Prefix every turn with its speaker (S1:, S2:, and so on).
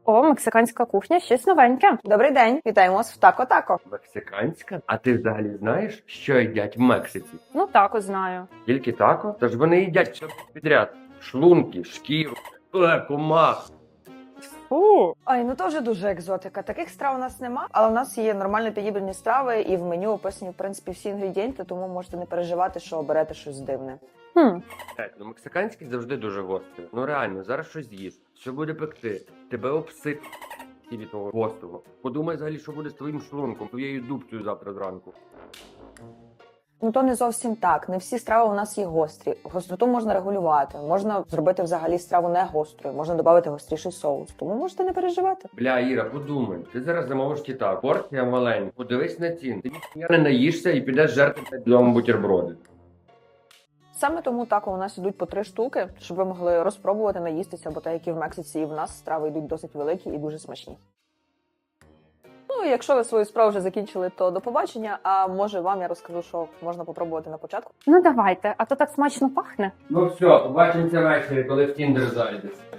S1: О, мексиканська кухня, щось новеньке.
S2: Добрий день, вітаємо вас в Тако-Тако.
S3: Мексиканська? А ти взагалі знаєш, що їдять в Мексиці?
S1: Ну, тако знаю.
S3: Тільки тако? Тож вони їдять все підряд. Шлунки, шкіру, комах.
S1: Фу.
S2: Ой, ну то вже дуже екзотика. Таких страв у нас нема, але у нас є нормально підібрані страви, і в меню описані, в принципі, всі інгредієнти, тому можете не переживати, що оберете щось дивне.
S3: Ну мексиканський завжди дуже гострий. Ну реально, зараз щось з'їш. Що буде пекти? Тебе обсип від того гострого. Подумай взагалі, що буде з твоїм шлунком, твоєю дубцею завтра зранку.
S2: Ну то не зовсім так. Не всі страви у нас є гострі. Гостроту можна регулювати. Можна зробити взагалі страву не гострою, можна додати гостріший соус. Тому можете не переживати.
S3: Бля, Іра, подумай, ти зараз замовиш кита, порція маленька, подивись на цін. Ти ніхуя не наїшся і підеш жерти вдома бутерброди.
S2: Саме тому тако у нас ідуть по 3 штуки, щоб ви могли розпробувати наїстися, бо так як і в Мексиці, і в нас страви йдуть досить великі і дуже смачні. Ну, і якщо ви свою справу вже закінчили, то до побачення, а може вам я розкажу, що можна попробувати на початку.
S1: Ну давайте, а то так смачно пахне.
S3: Ну все, побачимося ввечері, коли в Тіндер зайдеш.